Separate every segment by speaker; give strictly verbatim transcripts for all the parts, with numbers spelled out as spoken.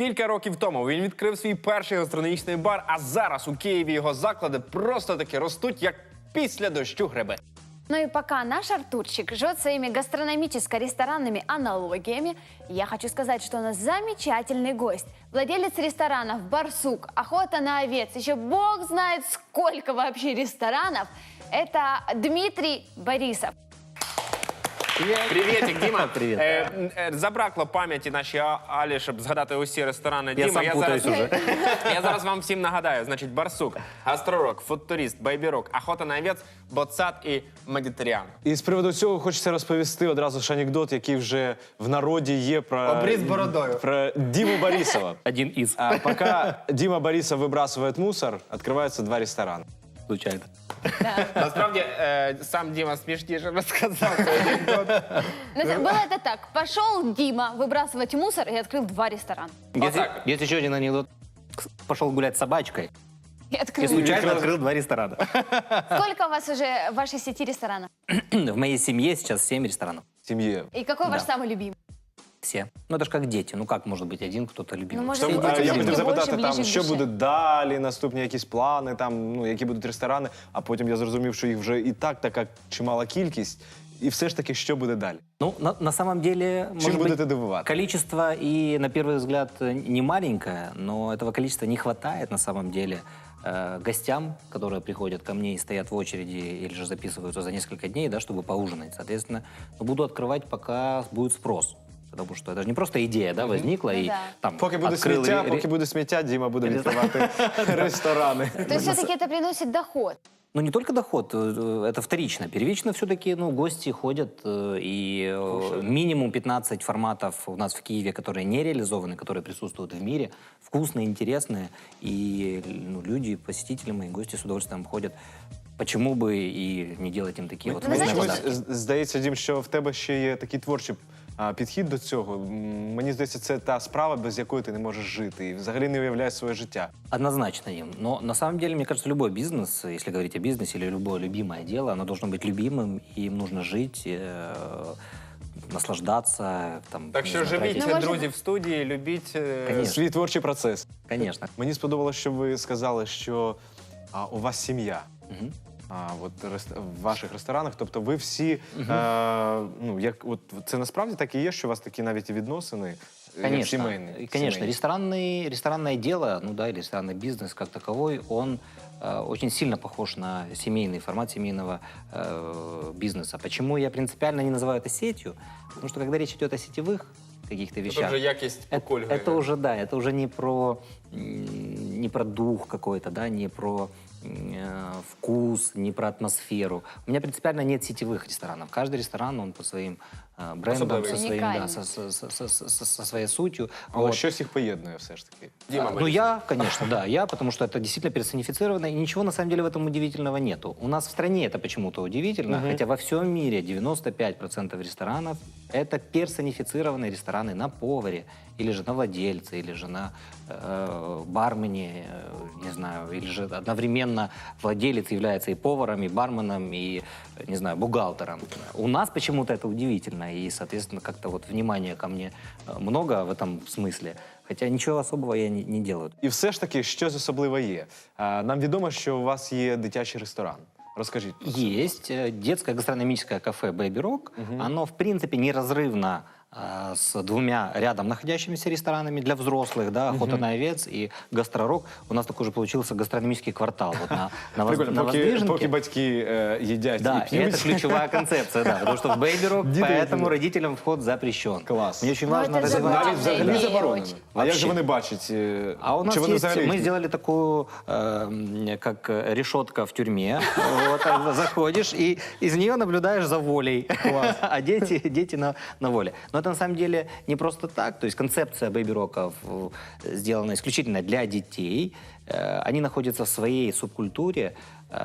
Speaker 1: Кілька років тому він відкрив свій перший гастрономічний бар, а зараз у Києві його заклади просто-таки ростуть, як після дощу гриби.
Speaker 2: Ну и пока наш Артурчик живет своими гастрономическо-ресторанными аналогиями, я хочу сказать, что у нас замечательный гость. Владелец ресторанов «Барсук», «Охота на овец», еще бог знает сколько вообще ресторанов. Это Дмитрий Борисов.
Speaker 1: Привітик, Діма.
Speaker 3: Привіт.
Speaker 1: Е, е, забракло пам'яті нашій А- Алі, щоб згадати усі ресторани.
Speaker 3: Я
Speaker 1: Діма,
Speaker 3: сам путаюсь
Speaker 1: зараз,
Speaker 3: уже.
Speaker 1: я зараз вам всім нагадаю. Значить, Барсук, Гастророк, Фудтурист, Бейбі-Рок, Охота на овець, Боцат і Медитеріан.
Speaker 4: І з приводу цього хочеться розповісти одразу ж анекдот, який вже в народі є про,
Speaker 1: Обріз бородою.
Speaker 4: про Диму Борисова.
Speaker 3: Один из.
Speaker 4: А пока Дима Борисов выбрасывает мусор, открываются два ресторана.
Speaker 3: Случайно.
Speaker 1: Насправді, е, сам Діма смішніше розказав цей анекдот.
Speaker 2: Ну, это- Было это так. Пошел Дима выбрасывать мусор и открыл два ресторана.
Speaker 3: Есть,
Speaker 1: так.
Speaker 3: есть еще один анекдот. Пошел гулять с собачкой
Speaker 2: И
Speaker 3: и
Speaker 2: открыл.
Speaker 3: случайно открыл два ресторана.
Speaker 2: Сколько у вас уже в вашей сети ресторанов?
Speaker 3: В моей семье сейчас семь ресторанов.
Speaker 4: В семье.
Speaker 2: И какой ваш
Speaker 3: Да.
Speaker 2: самый любимый?
Speaker 3: Все. Ну это же как дети. Ну как может быть один кто-то любимый?
Speaker 2: Ну, может,
Speaker 4: Там,
Speaker 2: Це
Speaker 4: а,
Speaker 2: дітям
Speaker 4: я
Speaker 2: тільки
Speaker 4: хотів запитати,
Speaker 2: більше,
Speaker 4: там,
Speaker 2: ближче
Speaker 4: що
Speaker 2: до
Speaker 4: буде
Speaker 2: душі.
Speaker 4: далі, наступні якісь плани, там, ну, які будуть ресторани, а потім я зрозумів, що їх вже і так така чимала кількість. І все ж таки, що буде далі?
Speaker 3: Ну, на, на самом деле, может
Speaker 4: будете
Speaker 3: быть,
Speaker 4: дивувати?
Speaker 3: количество и, на первый взгляд, не маленькое, но этого количества не хватает на самом деле э, гостям, которые приходят ко мне и стоят в очереди или же записываются за несколько дней, да, чтобы поужинать. Соответственно, буду открывать, пока будет спрос. Потому что это же не просто идея, да, возникла,
Speaker 2: Ну
Speaker 3: и
Speaker 2: да.
Speaker 3: там
Speaker 4: Поки буде
Speaker 3: открыл
Speaker 4: сміття,
Speaker 3: ре-
Speaker 4: поки буде сміття, Діма буде відкривати ресторани.
Speaker 2: То есть все-таки это приносит доход.
Speaker 3: Ну, не только доход, э, это вторично. Первично все-таки, ну, гости ходят, э, и э, минимум пятнадцать форматов у нас в Киеве, которые не реализованы, которые присутствуют в мире, вкусные, интересные, и ну, люди, посетители мои, гости с удовольствием ходят. Почему бы и не делать им такие вот
Speaker 2: Ну,
Speaker 3: вкусные
Speaker 2: знаете,
Speaker 3: подарки?
Speaker 4: З- Здається, Дім, що в тебе ще є такий творчий а, підхід до цього. М, Мені здається, це та справа, без якої ти не можеш жити і взагалі не уявляєш своє життя.
Speaker 3: Однозначно им. Но на самом деле, мне кажется, любой бизнес, если говорить о бизнесе или любое любимое дело, оно должно быть любимым, и им нужно жить, э, наслаждаться. Там,
Speaker 1: Так
Speaker 3: не
Speaker 1: що
Speaker 3: знаю,
Speaker 1: живіть,
Speaker 3: тратить-
Speaker 2: Ну, може-
Speaker 1: друзі, в студії, любіть. е,
Speaker 3: Конечно.
Speaker 4: Свій творчий процес.
Speaker 3: Конечно.
Speaker 4: Мені сподобалося, що ви сказали, що а, у вас сім'я.
Speaker 3: Мгм.
Speaker 4: А, от рест- в ваших ресторанах, тобто ви всі, е, ну як от це насправді так і є, що у вас такі навіть і відносини е, як
Speaker 3: Конечно,
Speaker 4: сімейні.
Speaker 3: И, конечно,
Speaker 4: сімейні?
Speaker 3: ресторанный, ресторанное дело, ну да, или ресторанный бизнес как таковой, он э, очень сильно похож на семейный формат семейного э, бизнеса. Почему я принципиально не называю это сетью? Потому что когда речь идет о сетевых каких-то
Speaker 1: Це
Speaker 3: вещах,
Speaker 1: вже якість
Speaker 3: это,
Speaker 1: покольгує.
Speaker 3: это уже, да, это уже не про, м, не про дух какой-то, да, не про э, вкус, не про атмосферу. У меня принципиально нет сетевых ресторанов. Каждый ресторан, он по своим э, брендам, со,
Speaker 1: Особливий.
Speaker 3: своим, да,
Speaker 2: Унікальний.
Speaker 3: со, со, со, со, со- со своей сутью.
Speaker 4: Але
Speaker 3: Вот.
Speaker 4: щось їх поєднує все ж таки.
Speaker 1: Діма,
Speaker 3: А, ну
Speaker 1: Борисов.
Speaker 3: я, конечно, да, я, потому что это действительно персонифицировано, и ничего на самом деле в этом удивительного нету. У нас в стране это почему-то удивительно, хотя во всем мире девяносто пять процентов ресторанов это персонифицированные рестораны на поваре, или же на владельце, или же на э, бармене, э, не знаю, или же одновременно владелец является и поваром, и барменом, и, э, не знаю, бухгалтером. У нас почему-то это удивительно, и, соответственно, как-то вот внимания ко мне э, много в этом смысле. Хотя ничего особого я не, не делаю.
Speaker 4: І все ж таки, щось особливе є. А, нам відомо, що у вас є дитячий ресторан. Розкажіть. про це.
Speaker 3: Есть э, детское гастрономическое кафе Baby Rock. Оно, в принципе, неразрывно э, с двумя рядом находящимися ресторанами для взрослых, да, «Охота на овец» и «Гастророк». У нас такой же получился гастрономический квартал вот на, на, воз-
Speaker 4: Прикольно,
Speaker 3: на
Speaker 4: поки,
Speaker 3: Воздвиженке.
Speaker 4: поки батьки е, їдять
Speaker 3: Да,
Speaker 4: і
Speaker 3: и
Speaker 4: п'ють.
Speaker 3: это ключевая концепция, да, потому что в Baby Rock,
Speaker 4: Дети
Speaker 3: поэтому
Speaker 4: эти-
Speaker 3: родителям вход запрещен.
Speaker 4: Класс.
Speaker 3: Мне очень
Speaker 2: Ну,
Speaker 3: важно
Speaker 2: это же
Speaker 3: развивать...
Speaker 4: Навіть взагалі
Speaker 2: Ідея
Speaker 4: заборонено.
Speaker 2: очень.
Speaker 4: А як же
Speaker 3: Вообще.
Speaker 4: вони бачать? е,
Speaker 3: А у нас
Speaker 4: чи вони
Speaker 3: есть,
Speaker 4: взагалі
Speaker 3: мы
Speaker 4: їх-
Speaker 3: сделали такую, э, как э, решетка в тюрьме. Вот, а заходишь и из нее наблюдаешь за волей. А дети, дети на, на воле. Но это на самом деле не просто так. То есть концепция Baby Rock'ов э, сделана исключительно для детей. Э, Они находятся в своей субкультуре,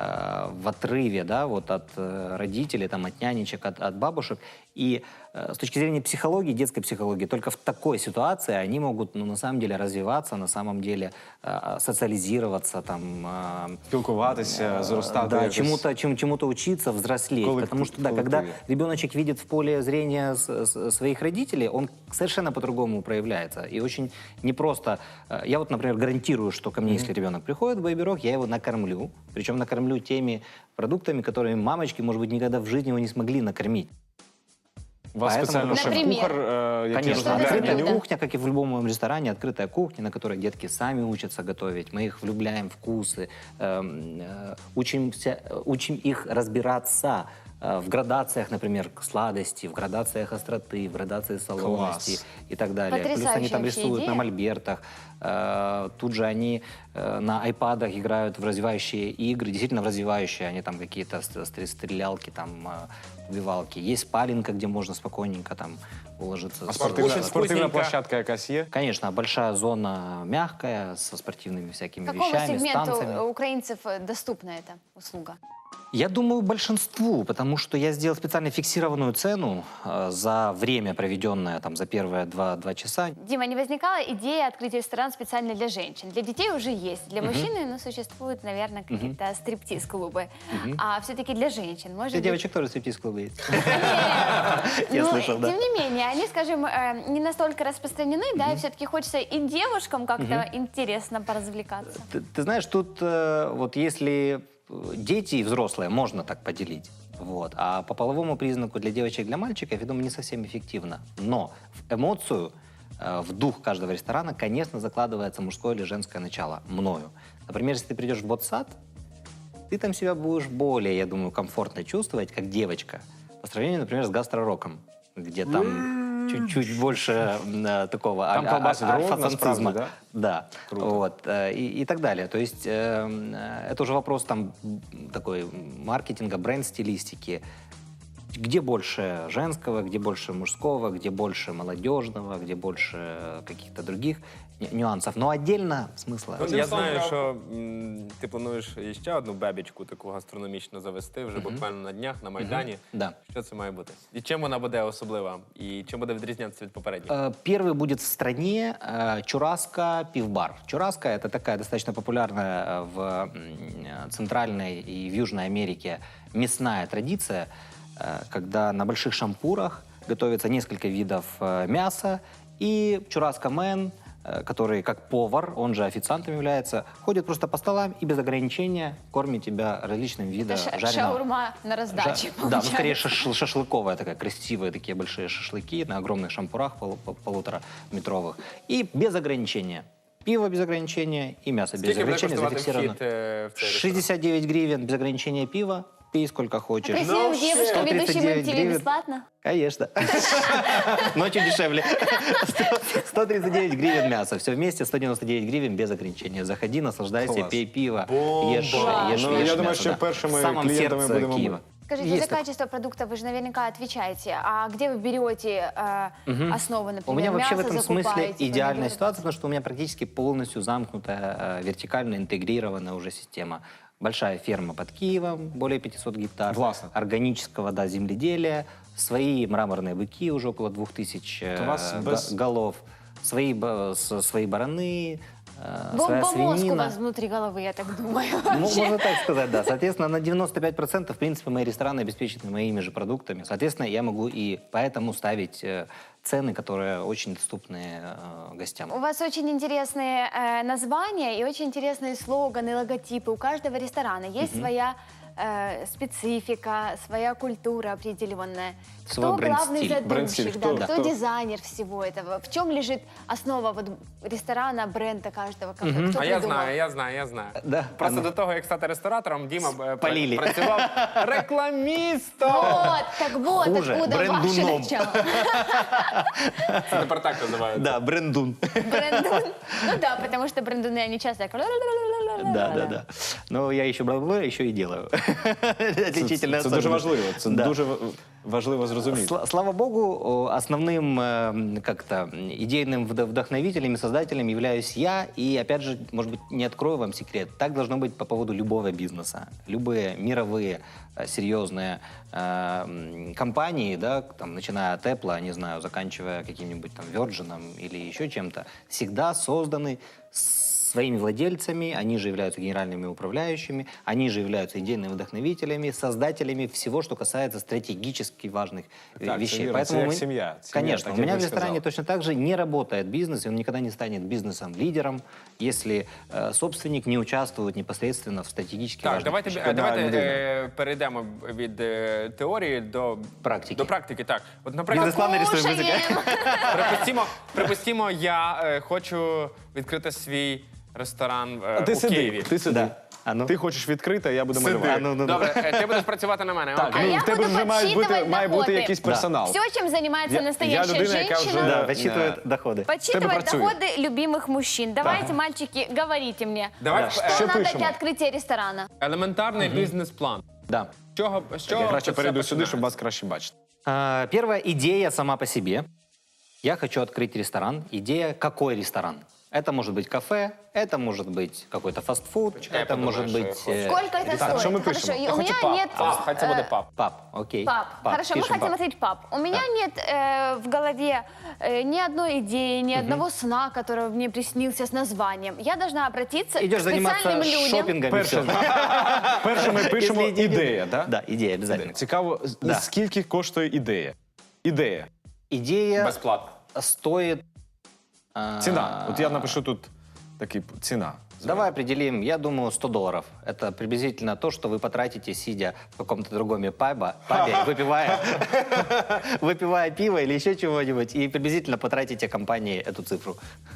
Speaker 3: э, в отрыве, да, вот от э, родителей, там, от нянечек, от, от бабушек. И э, с точки зрения психологии, детской психологии, только в такой ситуации они могут, ну, на самом деле, развиваться, на самом деле э, социализироваться, там, э,
Speaker 4: спілкуватися, зростати.
Speaker 3: да,
Speaker 4: якось.
Speaker 3: чему-то, чем, чему-то учиться, взрослеть.
Speaker 4: Коллектив-
Speaker 3: Потому что, да,
Speaker 4: коллективе.
Speaker 3: когда ребеночек видит в поле зрения с- с- своих родителей, он совершенно по-другому проявляется. И очень непросто. э, Я вот, например, гарантирую, что ко мне, если ребенок приходит в Baby Rog, я его накормлю. Причем накормлю теми продуктами, которыми мамочки, может быть, никогда в жизни его не смогли накормить.
Speaker 4: У вас
Speaker 3: Поэтому-
Speaker 4: спеціально
Speaker 2: Наприклад?
Speaker 4: шеф-кухар, е, який
Speaker 3: Конечно,
Speaker 2: Что это за
Speaker 4: розробляє
Speaker 3: открытая
Speaker 2: блюдо?
Speaker 3: кухня, как и в любом ресторане, открытая кухня, на которой детки сами учатся готовить. Мы их влюбляем в вкусы, эм, э, учимся, учим их разбираться э, в градациях, например, сладости, в градациях остроты, в градации солоности
Speaker 4: Класс.
Speaker 3: и так далее. Плюс они
Speaker 2: Потрясающая
Speaker 3: там
Speaker 2: вообще
Speaker 3: рисуют
Speaker 2: идея.
Speaker 3: на мольбертах. Э, Тут же они э, на айпадах играют в развивающие игры, действительно в развивающие. Они там какие-то ст- стр- стрелялки, там э, убивалки. Есть спаленка, где можно спокойненько там уложиться.
Speaker 4: А
Speaker 3: спать.
Speaker 4: спортивна,
Speaker 1: Очень
Speaker 4: спортивна
Speaker 1: вкусненько.
Speaker 4: площадка якась є?
Speaker 3: Конечно, большая зона мягкая, со спортивными всякими
Speaker 2: Какому
Speaker 3: вещами, с
Speaker 2: сегменту
Speaker 3: танцами.
Speaker 2: украинцев э, доступна эта услуга?
Speaker 3: Я думаю, большинству, потому что я сделал специально фиксированную цену э, за время, проведенное там за первые два, два часа.
Speaker 2: Дима, не возникала идея открыть ресторан специально для женщин? Для детей уже есть, для мужчин, ну, существуют, наверное, какие-то стриптиз-клубы. А все-таки для женщин, может
Speaker 3: Для
Speaker 2: быть...
Speaker 3: девочек тоже стриптиз-клубы есть. Я
Speaker 2: Ну,
Speaker 3: слышал, да.
Speaker 2: тем не менее, они, скажем, э, не настолько распространены, да, и все-таки хочется и девушкам как-то интересно поразвлекаться.
Speaker 3: Ты, ты знаешь, тут э, вот если э, дети и взрослые, можно так поделить. Вот. А по половому признаку для девочек и для мальчиков, я думаю, не совсем эффективно. Но в эмоцию, э, в дух каждого ресторана, конечно, закладывается мужское или женское начало. Мною. Например, если ты придешь в ботсад, ты там себя будешь более, я думаю, комфортно чувствовать, как девочка, по сравнению, например, с гастророком, где там чуть-чуть больше э, такого
Speaker 4: Там
Speaker 3: аль-
Speaker 4: колбасит
Speaker 3: аль-
Speaker 4: ровно,
Speaker 3: альфа-самцизма.
Speaker 4: справді,
Speaker 3: Да.
Speaker 4: Круто.
Speaker 3: Вот, э, и, и так далее. То есть э, э, это уже вопрос там м, такой маркетинга, бренд-стилистики. Где больше женского, где больше мужского, где больше молодежного, где больше э, каких-то других ню- нюансов. Но отдельно смысла.
Speaker 1: Ну, я знаю, що м, ти плануєш ще одну бебічку таку гастрономічну завести вже буквально на днях на Майдані.
Speaker 3: Да.
Speaker 1: Що це має бути? І чим вона буде особлива? І чим буде відрізнятися від попередньої?
Speaker 3: Э, Первый будет в стране э, Чураска пивбар. Чураска — это такая достаточно популярная э, в м, э, Центральной и в Южной Америке мясная традиция, э, когда на больших шампурах готовится несколько видов э, мяса, и Чураска-мен, э, который как повар, он же официантом является, ходит просто по столам и без ограничения кормит тебя различным видом
Speaker 2: Это ша-
Speaker 3: жареного.
Speaker 2: шаурма на раздаче,
Speaker 3: Жа- Да, ну
Speaker 2: получается.
Speaker 3: скорее шаш- шашлыковая такая, красивые такие большие шашлыки на огромных шампурах полу- пол- полутораметровых. И без ограничения. Пиво без ограничения и мясо без
Speaker 1: Скільки буде
Speaker 3: ограничения
Speaker 1: коштувати
Speaker 3: зафиксировано.
Speaker 1: вхід е, в цей ресторан?
Speaker 3: шестьдесят девять гривен без ограничения пива. Пей сколько хочешь.
Speaker 2: Красивым девушкам,
Speaker 3: сто тридцать
Speaker 2: ведущим
Speaker 3: девять
Speaker 2: эм ти ви
Speaker 3: гривен.
Speaker 2: бесплатно?
Speaker 3: Конечно. Ночью дешевле. сто тридцать девять гривен мясо. Все вместе сто девяносто девять гривен без ограничения. Заходи, наслаждайся,
Speaker 4: Класс.
Speaker 3: пей пиво,
Speaker 1: Бомба.
Speaker 3: ешь,
Speaker 2: Класс.
Speaker 3: ешь,
Speaker 4: Ну, я
Speaker 3: ешь
Speaker 4: думаю,
Speaker 3: мясо,
Speaker 4: что
Speaker 3: да.
Speaker 4: первыми
Speaker 3: В самом
Speaker 4: клиентами
Speaker 3: сердце
Speaker 4: будем мы.
Speaker 3: Киева.
Speaker 2: Скажите,
Speaker 3: Есть
Speaker 2: за
Speaker 3: такое.
Speaker 2: качество продукта вы же наверняка отвечаете. А где вы берете э, основы, например,
Speaker 3: У меня вообще в
Speaker 2: мясо
Speaker 3: этом смысле
Speaker 2: закупаете,
Speaker 3: идеальная
Speaker 2: помидоры?
Speaker 3: ситуация, потому что у меня практически полностью замкнутая, э, вертикально интегрированная уже система. Большая ферма под Киевом, более пятисот гектар.
Speaker 4: Властно.
Speaker 3: Органического, да, земледелия. Свои мраморные быки, уже около двух тысяч э,
Speaker 4: У вас
Speaker 3: га-
Speaker 4: без-
Speaker 3: голов. Свои, ба- с- свои бараны, э, своя
Speaker 2: Бомбомозг у
Speaker 3: свинина.
Speaker 2: вас внутри головы, я так думаю.
Speaker 3: Ну,
Speaker 2: вообще.
Speaker 3: можно так сказать, да. Соответственно, на девяносто пять процентов, в принципе, мои рестораны обеспечены моими же продуктами. Соответственно, я могу и поэтому ставить э, цены, которые очень доступны э, гостям.
Speaker 2: У вас очень интересные э, названия и очень интересные слоганы, логотипы. У каждого ресторана есть своя э, специфика, своя культура определенная.
Speaker 3: Свой
Speaker 2: Кто главный
Speaker 3: бренд-стиль.
Speaker 2: задумщик,
Speaker 4: Бренд-стиль.
Speaker 2: да,
Speaker 4: Кто-
Speaker 2: кто,
Speaker 4: кто?
Speaker 2: дизайнер всего этого? В чем лежит основа вот ресторана, бренда каждого кафе? Кто
Speaker 1: А я
Speaker 2: придумал?
Speaker 1: знаю, я знаю, я знаю.
Speaker 3: Да,
Speaker 1: Просто
Speaker 3: а ну.
Speaker 1: до того, як стати ресторатором, Діма е, пра-
Speaker 3: Спалили.
Speaker 1: працював рекламістом.
Speaker 2: Вот, так вот,
Speaker 3: Хуже,
Speaker 2: откуда ваше
Speaker 3: брендуном.
Speaker 2: начало.
Speaker 1: Це тепер так називають.
Speaker 3: Да, брендун.
Speaker 2: Брендун. Ну да, потому что брендуны, они часто так...
Speaker 3: Да, да, да. Но я еще бла-бла, еще и делаю. Отличительная
Speaker 4: Це дуже
Speaker 3: особенность.
Speaker 4: важливо. Це
Speaker 3: Да.
Speaker 4: дуже ва- важливо зрозуміти.
Speaker 3: Сла- Слава богу, о, основным э, как-то идейным вд- вдохновителем и создателем являюсь я. И опять же, может быть, не открою вам секрет. Так должно быть по поводу любого бизнеса. Любые мировые э, серьезные э, м, компании, да, там, начиная от Apple, не знаю, заканчивая каким-нибудь там Virgin или еще чем-то, всегда созданы с своими владельцами, они же являются генеральными управляющими, они же являются идейными вдохновителями, создателями всего, что касается стратегически важных э,
Speaker 4: Так,
Speaker 3: вещей.
Speaker 4: это верно, это как семья. Семья,
Speaker 3: Конечно,
Speaker 4: так
Speaker 3: у
Speaker 4: я
Speaker 3: меня
Speaker 4: бы
Speaker 3: в ресторане
Speaker 4: сказал.
Speaker 3: точно так же не работает бизнес, и он никогда не станет бизнесом-лидером, если э, собственник не участвует непосредственно в стратегически
Speaker 1: Так,
Speaker 3: важных
Speaker 1: давайте,
Speaker 3: вещах.
Speaker 1: е, давайте
Speaker 4: людина.
Speaker 1: е, перейдемо від е, теорії до
Speaker 3: Практики.
Speaker 1: До практики, так. От, наприклад,
Speaker 3: Бізнес-план нарисуємо,
Speaker 2: Покушаем.
Speaker 1: припустімо, припустімо, я е, хочу відкрити свій ресторан е,
Speaker 4: А ти
Speaker 1: у
Speaker 4: сиди,
Speaker 1: Києві.
Speaker 4: ти сиди.
Speaker 3: Да. А ну.
Speaker 4: Ти хочеш відкрити, а я буду
Speaker 1: Сиди.
Speaker 4: малювати.
Speaker 3: А ну, ну, ну.
Speaker 1: Добре, е, ти будеш працювати на мене.
Speaker 4: Так,
Speaker 1: окей?
Speaker 2: А
Speaker 4: ну
Speaker 2: я
Speaker 4: в тебе
Speaker 2: буду
Speaker 4: вже має бути,
Speaker 2: подсчитывать
Speaker 4: має бути
Speaker 2: доходи.
Speaker 4: якийсь персонал.
Speaker 2: Все, чем занимается
Speaker 4: Я- я
Speaker 2: настоящая
Speaker 4: людина, яка
Speaker 2: женщина.
Speaker 4: вже-
Speaker 3: Да,
Speaker 4: Э,
Speaker 3: подсчитывает
Speaker 4: э,
Speaker 3: доходы.
Speaker 2: Подсчитывать
Speaker 4: працює.
Speaker 2: доходы любимых мужчин. Давайте, мальчики, говорите мне,
Speaker 1: Давай
Speaker 4: Да.
Speaker 1: е,
Speaker 2: что
Speaker 4: Що
Speaker 2: надо
Speaker 4: пишемо?
Speaker 2: для открытия ресторана?
Speaker 1: елементарний бізнес-план.
Speaker 3: Да.
Speaker 1: З чого, з чого
Speaker 4: Я
Speaker 1: це
Speaker 4: краще
Speaker 1: все
Speaker 4: перейду сюди,
Speaker 1: починається?
Speaker 4: щоб вас краще бачити.
Speaker 3: А, Первая идея сама по себе. Я хочу открыть ресторан. Идея, какой ресторан? Это может быть кафе, это может быть какой-то фастфуд,
Speaker 1: Почекай, я
Speaker 3: это
Speaker 1: подумаю,
Speaker 3: может
Speaker 1: что я
Speaker 3: быть...
Speaker 1: хочу.
Speaker 3: э,
Speaker 2: Сколько это
Speaker 4: Так,
Speaker 2: стоит?
Speaker 4: что мы
Speaker 2: Хорошо,
Speaker 4: пишем?
Speaker 2: и
Speaker 1: Я
Speaker 2: у
Speaker 1: хочу
Speaker 2: меня
Speaker 1: пап.
Speaker 2: нет...
Speaker 1: А, хай це буде
Speaker 2: э,
Speaker 1: пап.
Speaker 3: Пап, окей.
Speaker 2: Пап. Хорошо, мы
Speaker 3: пишем
Speaker 2: хотим
Speaker 3: пап.
Speaker 2: открыть пап. У меня нет э, в голове э, ни одной идеи, ни одного сна, который мне приснился с названием. Я должна обратиться
Speaker 3: Идешь
Speaker 2: к
Speaker 3: заниматься
Speaker 2: специальным людям.
Speaker 3: шопингом. и
Speaker 4: Перше,
Speaker 3: всё.
Speaker 4: перше ми пишемо
Speaker 3: Если идея-
Speaker 4: ідея, так?
Speaker 3: Да, идея обязательно.
Speaker 4: Цікаво, з-
Speaker 3: Да.
Speaker 4: скільки коштує ідея? Ідея.
Speaker 3: Идея
Speaker 1: Безплатно.
Speaker 3: стоит... а,
Speaker 4: Ціна. От я напишу тут такий п- ціна.
Speaker 3: Давай определим, я думаю, сто долларов. Это приблизительно то, что вы потратите, сидя в каком-то другом пабе, пабе выпивая, выпивая пиво или еще чего-нибудь, и приблизительно потратите компании эту цифру.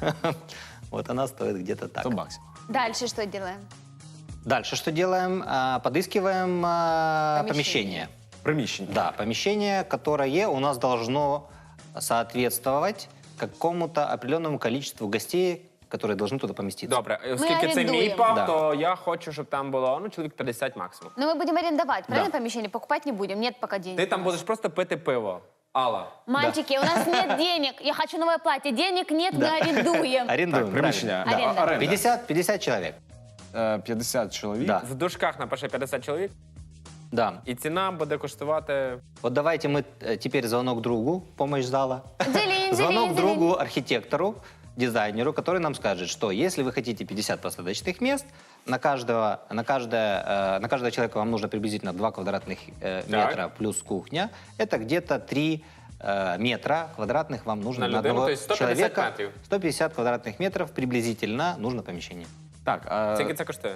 Speaker 3: Вот она стоит где-то так.
Speaker 4: сто баксів.
Speaker 2: Дальше что делаем?
Speaker 3: Дальше что делаем? А, Подыскиваем а,
Speaker 2: Помещение.
Speaker 3: помещение.
Speaker 4: Приміщення.
Speaker 3: Да, помещение, которое у нас должно соответствовать какому-то определенному количеству гостей, которые должны туда поместиться.
Speaker 1: Добре, е, оскільки це мій
Speaker 2: орендуємо.
Speaker 1: паб,
Speaker 3: Да.
Speaker 1: то я хочу, щоб там було ну, чоловік п'ятдесят максимум.
Speaker 2: Но мы будем арендовать, правильно,
Speaker 3: Да.
Speaker 2: помещение? Покупать не будем, нет пока денег.
Speaker 1: Ти там будеш просто пити пиво. Алла.
Speaker 2: Мальчики, у нас нет денег. Я хочу новое платье. Денег нет, мы арендуем.
Speaker 3: Арендуем.
Speaker 4: Так, приміщення.
Speaker 3: правильно.
Speaker 2: Аренда.
Speaker 4: А- оренда.
Speaker 3: пятьдесят, пятьдесят человек.
Speaker 4: Е, п'ятдесят чоловік.
Speaker 3: Да.
Speaker 1: В дужках напиши п'ятдесят чоловік,
Speaker 3: Да.
Speaker 1: і ціна буде коштувати.
Speaker 3: Вот давайте мы э, теперь звонок другу, помощь зала.
Speaker 2: Делин,
Speaker 3: Звонок
Speaker 2: делин,
Speaker 3: другу,
Speaker 2: делин.
Speaker 3: архитектору, дизайнеру, который нам скажет, что если вы хотите пятьдесят посадочных мест, на каждого, на каждое, э, на каждого человека вам нужно приблизительно два квадратных э, метра плюс кухня. Это где-то три э, метра квадратных вам нужно
Speaker 1: На
Speaker 3: на,
Speaker 1: людину,
Speaker 3: одного
Speaker 1: то есть сто пятьдесят
Speaker 3: человека.
Speaker 1: метров.
Speaker 3: сто пятьдесят квадратных метров приблизительно нужно помещение.
Speaker 4: Так, а,
Speaker 1: Скільки це коштує?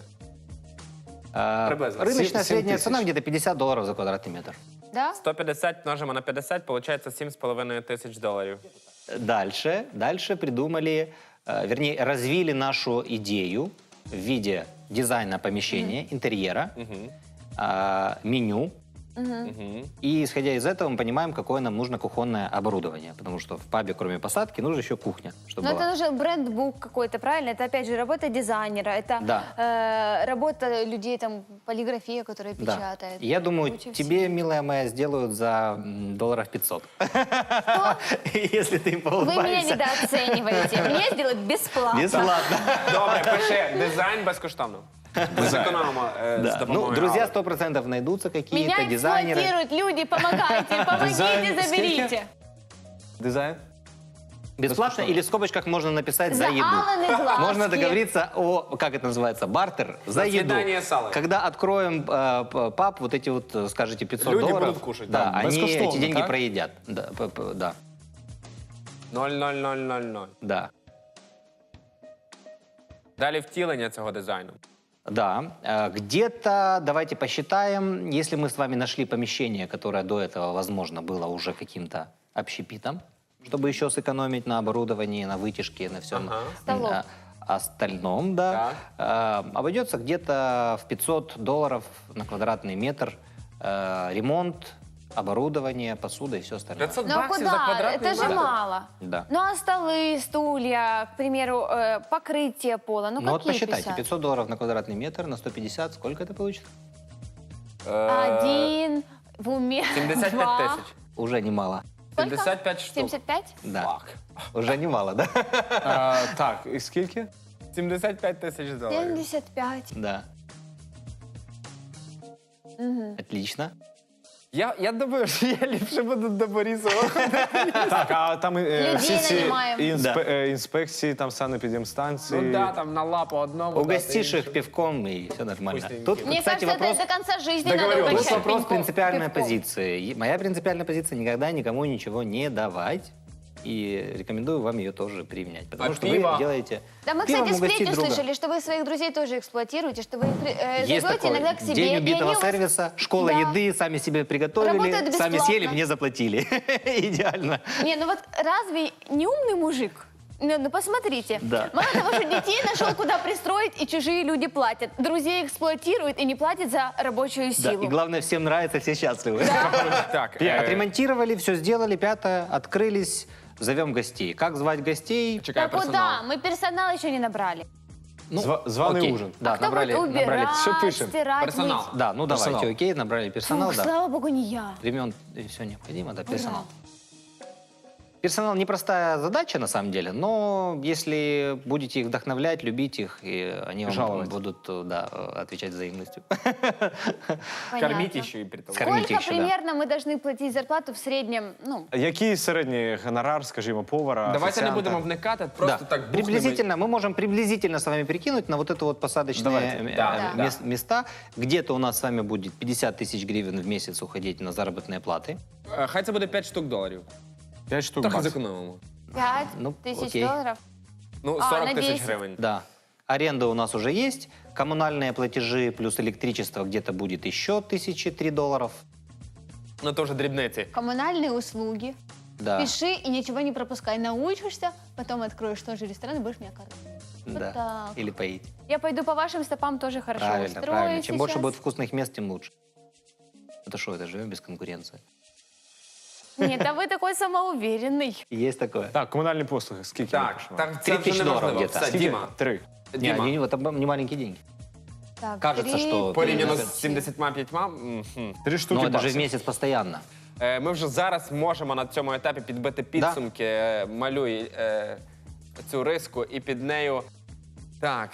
Speaker 3: Э,
Speaker 1: Приблизно.
Speaker 3: Рыночная
Speaker 4: Семь- семь
Speaker 3: средняя
Speaker 4: тысяч.
Speaker 3: цена где-то пятьдесят долларов за квадратный метр.
Speaker 2: Да?
Speaker 1: сто п'ятдесят множимо на п'ятдесят, виходить сім з половиною тисяч доларів.
Speaker 3: Дальше, дальше придумали, э, вернее, развили нашу идею в виде дизайна помещения, интерьера, а, меню. И исходя из этого мы понимаем, какое нам нужно кухонное оборудование. Потому что в пабе, кроме посадки, нужна еще кухня, чтобы
Speaker 2: Но
Speaker 3: была.
Speaker 2: это нужен брендбук какой-то, правильно? Это, опять же, работа дизайнера, это
Speaker 3: Да.
Speaker 2: э, работа людей, там, полиграфия, которая
Speaker 3: Да.
Speaker 2: печатает.
Speaker 3: Я думаю,
Speaker 2: Куча
Speaker 3: тебе,
Speaker 2: всего.
Speaker 3: милая моя, сделают за м, долларов пятьсот. Если ты
Speaker 2: Вы меня
Speaker 3: поулыбаешься.
Speaker 2: недооцениваете. Мне сделают бесплатно.
Speaker 3: Бесплатно.
Speaker 1: Добре, пиши дизайн безкоштовно. Ми зекономимо е, з
Speaker 3: Да. Ну,
Speaker 1: допомогою
Speaker 3: друзья,
Speaker 1: Алли.
Speaker 3: сто процентов найдутся какие-то
Speaker 2: Меня
Speaker 3: дизайнеры.
Speaker 2: эксплуатируют люди, помогайте, помогите,
Speaker 4: Дизайн
Speaker 2: заберите.
Speaker 4: дизайн?
Speaker 3: Бесплатно или в скобочках можно написать за,
Speaker 2: За
Speaker 3: еду.
Speaker 2: Алланы глазки.
Speaker 3: Можно договориться о, как это называется, бартер за,
Speaker 1: За
Speaker 3: еду.
Speaker 1: свидание с Аллой.
Speaker 3: Когда откроем э, п- паб, вот эти вот, э, скажите, пятьсот
Speaker 1: Люди
Speaker 3: долларов,
Speaker 1: будут кушать,
Speaker 3: да,
Speaker 4: да,
Speaker 3: они
Speaker 4: безкоштовно,
Speaker 3: эти деньги
Speaker 4: так?
Speaker 3: проедят. Да, п- п- да,
Speaker 1: нуль нуль нуль нуль нуль.
Speaker 3: да.
Speaker 1: Далі втілення цього дизайну.
Speaker 3: Да, Э, где-то, давайте посчитаем, если мы с вами нашли помещение, которое до этого, возможно, было уже каким-то общепитом, чтобы еще сэкономить на оборудовании, на вытяжке, на всем
Speaker 1: Ага.
Speaker 2: Столов.
Speaker 3: э, остальном, да, э, обойдется где-то в пятьсот долларов на квадратный метр э, ремонт, оборудование, посуда и все остальное.
Speaker 1: п'ятсот
Speaker 2: Ну а
Speaker 1: баксів за
Speaker 2: куда?
Speaker 1: квадратний
Speaker 2: Это же
Speaker 1: метр?
Speaker 2: мало.
Speaker 3: Да.
Speaker 2: Ну а столы, стулья, к примеру, э, покрытие пола, ну
Speaker 3: Ну вот
Speaker 2: какие
Speaker 3: посчитайте,
Speaker 2: пятьдесят?
Speaker 3: пятьсот долларов на квадратный метр на сто пятьдесят, сколько это получится?
Speaker 1: Е,
Speaker 2: Один, в уме,
Speaker 1: сімдесят
Speaker 2: два.
Speaker 1: п'ять тисяч.
Speaker 3: Уже немало.
Speaker 2: Сколько?
Speaker 1: сімдесят п'ять штук.
Speaker 2: семьдесят пять?
Speaker 3: Да,
Speaker 1: Фак.
Speaker 3: уже немало, да?
Speaker 4: А, так, і скільки?
Speaker 1: сімдесят п'ять тисяч доларів.
Speaker 2: семьдесят пять.
Speaker 3: Да. Отлично.
Speaker 1: Я, я думаю, що я ліпше буду до Борисова.
Speaker 4: Так, а там е,
Speaker 2: Людей
Speaker 4: всі ці
Speaker 2: нанімаємо.
Speaker 4: інспе- е, інспекції, там санепідемстанції.
Speaker 1: Ну да, там на лапу одному.
Speaker 3: Угостишь
Speaker 1: дати
Speaker 3: их пивком, и все нормально.
Speaker 1: Вкусненьким.
Speaker 3: Тут,
Speaker 2: Мне
Speaker 3: кстати,
Speaker 2: кажется,
Speaker 3: вопрос...
Speaker 2: это до конца жизни надо
Speaker 1: Договорились.
Speaker 3: Тут
Speaker 2: угощать
Speaker 3: вопрос
Speaker 2: пивком-
Speaker 3: принципиальной
Speaker 2: пивком.
Speaker 3: позиции. И моя принципиальная позиция — никогда никому ничего не давать. И рекомендую вам ее тоже применять. Потому
Speaker 1: А
Speaker 3: что
Speaker 1: пиво?
Speaker 3: вы делаете...
Speaker 2: Да, мы,
Speaker 3: пивом
Speaker 2: кстати,
Speaker 3: угостить
Speaker 2: сплетню
Speaker 3: друга.
Speaker 2: слышали, что вы своих друзей тоже эксплуатируете, что вы их при- э,
Speaker 3: Есть
Speaker 2: зовете
Speaker 3: такой
Speaker 2: иногда к себе.
Speaker 3: день
Speaker 2: и
Speaker 3: убитого
Speaker 2: они у вас-
Speaker 3: сервиса, школа
Speaker 2: Да.
Speaker 3: еды, сами себе приготовили,
Speaker 2: Работают
Speaker 3: сами
Speaker 2: бесплатно.
Speaker 3: съели, мне заплатили. Идеально.
Speaker 2: Не, ну вот разве не умный мужик? Ну, ну посмотрите.
Speaker 3: Да.
Speaker 2: Мало того, что детей нашел, куда пристроить, и чужие люди платят. Друзей эксплуатируют и не платят за рабочую
Speaker 3: Да,
Speaker 2: силу.
Speaker 3: и главное, всем нравится, все счастливы.
Speaker 1: Так, е,
Speaker 3: Отремонтировали, все сделали, пятое, открылись, зовем гостей. Как звать гостей?
Speaker 1: чекає
Speaker 2: Да
Speaker 1: персонал.
Speaker 2: куда? Мы персонал еще не набрали.
Speaker 3: Ну,
Speaker 4: Зва- званый
Speaker 3: окей.
Speaker 4: ужин.
Speaker 3: Да,
Speaker 2: а кто
Speaker 3: набрали,
Speaker 2: будет убирать,
Speaker 3: набрали.
Speaker 4: Что пишем?
Speaker 2: стирать,
Speaker 1: Персонал.
Speaker 2: мыть?
Speaker 3: Да, ну
Speaker 4: Персонал.
Speaker 3: давайте, окей, набрали персонал,
Speaker 2: Фух,
Speaker 3: да.
Speaker 2: слава богу, не я.
Speaker 3: Времен и все необходимо, да, персонал. Персонал непростая задача на самом деле, но если будете их вдохновлять, любить их, и они вам
Speaker 4: Жаловать.
Speaker 3: будут, да, отвечать взаимностью.
Speaker 2: Понятно.
Speaker 1: Корміть ще і при тому.
Speaker 3: Кормить
Speaker 2: Сколько
Speaker 3: еще, да.
Speaker 2: примерно мы должны платить зарплату в среднем? Ну,
Speaker 4: Який середній гонорар, скажімо, повара,
Speaker 1: Давайте не
Speaker 4: офіціанта?
Speaker 1: будемо вникати, просто
Speaker 3: Да.
Speaker 1: так бухнемо.
Speaker 3: Приблизительно, мы можем приблизительно с вами перекинуть на вот это вот посадочные
Speaker 4: Давайте.
Speaker 3: э,
Speaker 1: Да,
Speaker 3: э,
Speaker 1: да.
Speaker 3: мес- места. Где-то у нас с вами будет пятьдесят тысяч гривен в месяц уходить на заработные платы.
Speaker 1: Е, Хай це буде п'ять штук доларів.
Speaker 4: П'ять штук
Speaker 1: Трохи
Speaker 4: баксів.
Speaker 1: зекономимо.
Speaker 2: пять
Speaker 3: Ну,
Speaker 2: тысяч
Speaker 3: окей.
Speaker 2: долларов.
Speaker 1: Ну,
Speaker 2: А,
Speaker 1: сорок
Speaker 2: на
Speaker 1: тисяч
Speaker 2: десять.
Speaker 1: гривень.
Speaker 3: Да. Аренда у нас уже есть. Коммунальные платежи плюс электричество где-то будет еще тысячи три долларов.
Speaker 1: Ну, то вже дрібниці.
Speaker 2: Коммунальные услуги.
Speaker 3: Да.
Speaker 2: Пиши и ничего не пропускай. Научишься, потом откроешь тоже ресторан и будешь меня кормить. Вот
Speaker 3: Да.
Speaker 2: так.
Speaker 3: Или поить.
Speaker 2: Я пойду по вашим стопам тоже хорошо
Speaker 3: Правильно,
Speaker 2: устрою
Speaker 3: правильно. Чем больше
Speaker 2: сейчас.
Speaker 3: будет вкусных мест, тем лучше. Это что, это живем без конкуренции.
Speaker 2: Нет, а вы такой самоуверенный.
Speaker 3: Есть такое.
Speaker 4: Так, комунальні послуги, скільки ми
Speaker 1: Так,
Speaker 4: пишемо?
Speaker 1: так,
Speaker 3: Три
Speaker 1: це вже
Speaker 3: тисячі
Speaker 1: не
Speaker 3: доларів
Speaker 1: важливо.
Speaker 3: где-то.
Speaker 1: Все,
Speaker 4: Скільки?
Speaker 1: Діма.
Speaker 4: Три.
Speaker 3: Не,
Speaker 1: Діма.
Speaker 3: не, это не маленькие деньги.
Speaker 2: Так,
Speaker 3: Кажется,
Speaker 2: три
Speaker 3: что-
Speaker 1: Порівняно
Speaker 3: Три.
Speaker 1: з сімдесятьма п'ятьма. мгм.
Speaker 4: Три штуки
Speaker 3: Но это же в
Speaker 4: баксів.
Speaker 3: месяц постоянно.
Speaker 1: Е, Ми вже зараз можемо на цьому етапі підбити підсумки. Е, Малюй е, цю риску і під нею. Так,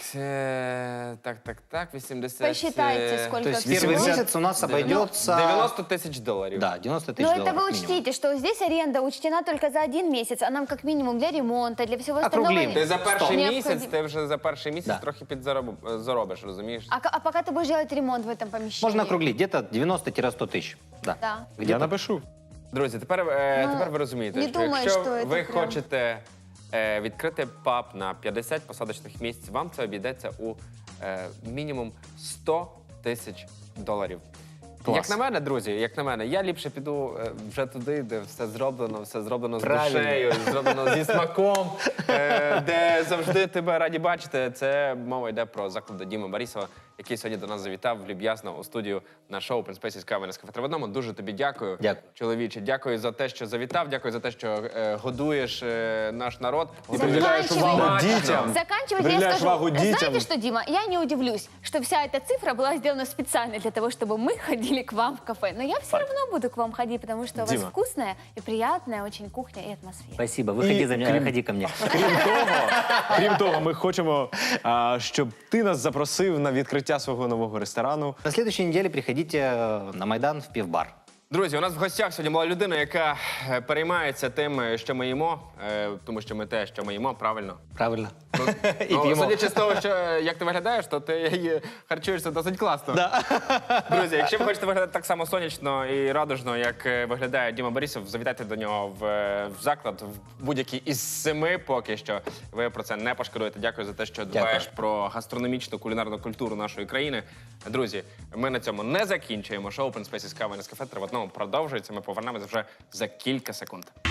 Speaker 1: е, так, так, так, вісімдесят...
Speaker 2: Посчитайте,
Speaker 1: е,
Speaker 2: сколько
Speaker 3: То есть
Speaker 2: всего.
Speaker 3: первый
Speaker 4: вісімдесят,
Speaker 3: месяц у нас обойдется...
Speaker 1: девяносто тисяч доларів.
Speaker 3: Да, девяносто
Speaker 2: Но
Speaker 3: тысяч
Speaker 2: это
Speaker 3: долларов.
Speaker 2: вы
Speaker 3: минимум.
Speaker 2: учтите, что здесь аренда учтена только за один месяц, а нам как минимум для ремонта, для всего остального.
Speaker 3: Округлим.
Speaker 1: Ти за перший
Speaker 2: Необходимо.
Speaker 1: місяць, ти вже за перший місяць
Speaker 3: Да.
Speaker 1: трохи підзаробиш, розумієш?
Speaker 2: А, к- а пока ты будешь делать ремонт в этом помещении?
Speaker 3: Можно округлить, где-то девяносто-сто тысяч. Да.
Speaker 2: Да.
Speaker 4: Я
Speaker 3: Где-то.
Speaker 4: напишу.
Speaker 1: Друзі, тепер, е,
Speaker 2: Ну,
Speaker 1: тепер ви розумієте,
Speaker 2: не
Speaker 1: що
Speaker 2: думаю,
Speaker 1: якщо
Speaker 2: що це
Speaker 1: ви
Speaker 2: прям-
Speaker 1: хочете е, відкрити паб на п'ятдесят посадочних місць, вам це обійдеться у е, мінімум сто тисяч доларів.
Speaker 3: Клас.
Speaker 1: Як на мене, друзі, як на мене, я ліпше піду е, вже туди, де все зроблено, все зроблено з
Speaker 3: Правильно.
Speaker 1: душею, зроблено зі смаком, е, де завжди тебе раді бачити. Це мова йде про заклади Діми Борисова, який сьогодні до нас завітав люб'язно у студію на шоу «Open Spaces Кава на кафе три в одному». Дуже тобі дякую,
Speaker 3: Дякую.
Speaker 1: чоловіче. Дякую за те, що завітав, дякую за те, що е, годуєш е, наш народ.
Speaker 4: Приділяєш увагу
Speaker 1: Смачно.
Speaker 4: дітям.
Speaker 2: Заканчивать я
Speaker 4: Приділяєш
Speaker 2: скажу.
Speaker 4: увагу дітям.
Speaker 2: Знаете что, Дима, я не удивлюсь, что вся эта цифра была сделана специально для того, чтобы мы ходили к вам в кафе. Но я все равно буду к вам ходить, потому что у вас
Speaker 4: Дима.
Speaker 2: вкусная и приятная очень кухня и атмосфера.
Speaker 3: Спасибо. Выходи
Speaker 4: И
Speaker 3: за меня,
Speaker 4: крем-
Speaker 3: ходи ко мне.
Speaker 4: Крім того, крім того, ми хочемо, а, щоб ти нас запросив на відкриття свого нового ресторану.
Speaker 3: На следующей неделе приходите э, на Майдан в пивбар.
Speaker 1: Друзі, у нас в гостях сьогодні була людина, яка е, переймається тим, е, що ми їмо, е, тому що ми те, що ми їмо, правильно.
Speaker 3: Правильно. И
Speaker 1: Ну,
Speaker 3: пьемо.
Speaker 1: судячи з того, що е, як ти виглядаєш, то ти е, харчуєшся досить класно. Друзі, якщо ви хочете виглядати так само сонячно і радужно, як е, виглядає Діма Борисов, завітайте до нього в, е, в заклад, в будь-який із семи поки що. Ви про це не пошкодуєте. Дякую за те, що дбаєш про гастрономічну кулінарну культуру нашої країни. Друзі, ми на цьому не закінчуємо. Шоу «Open Spaces Кава на кафе три в одному продовжується. Ми повернемося вже за кілька секунд.